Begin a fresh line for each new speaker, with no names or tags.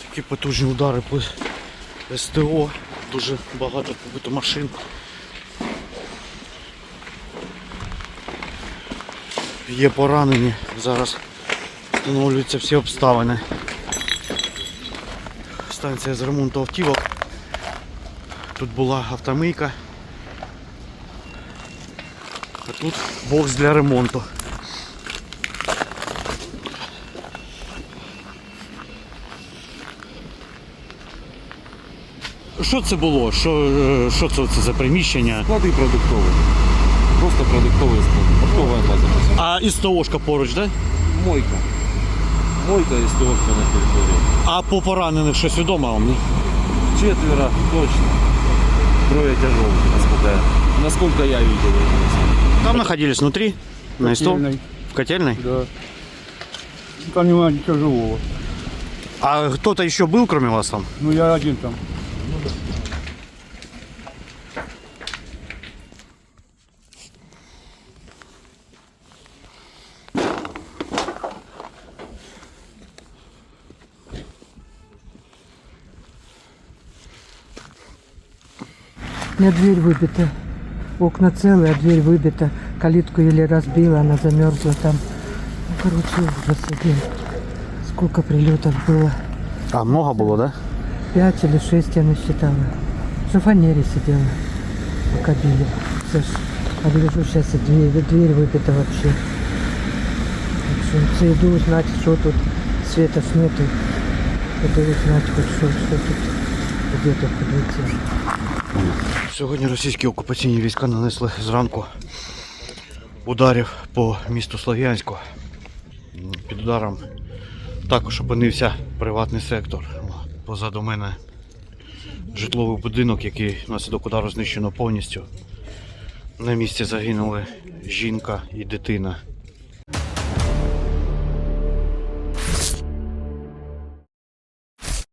Такі потужні удари по СТО, дуже багато побито машин. Є поранені, зараз встановлюються всі обставини. Станція з ремонту автівок. Тут була автомийка, а тут бокс для ремонту. Що це було? Що це за приміщення?
Склади продуктові. Просто продуктовий склад. Оптова база.
А і СТОшка поруч, так?
Мойка. Мойка і стовка на території.
А по поранених щось відомо вам? Ні?
4 точно. 3 тяжелых, насколько я видел.
Там находились внутри? На СТО? В котельной?
Да. Там нема ничего живого.
А кто-то еще был, кроме вас там?
Ну я один там.
У меня дверь выбита. Окна целые, а дверь выбита. Калитку еле разбила, она замерзла там. Ну, короче, ужас один. Сколько прилетов было?
А много было, да?
5 или 6 я насчитала. В шифонере сидела, пока били. Слышь, а гляжу, сейчас и дверь выбита вообще. Так что иду узнать, что тут. Света ж нету. Иду узнать хоть что тут. Где тут прилетело.
Сьогодні російські окупаційні війська нанесли зранку ударів по місту Слов'янську. Під ударом також опинився приватний сектор. Позаду мене житловий будинок, який внаслідок удару знищено повністю. На місці загинули жінка і дитина.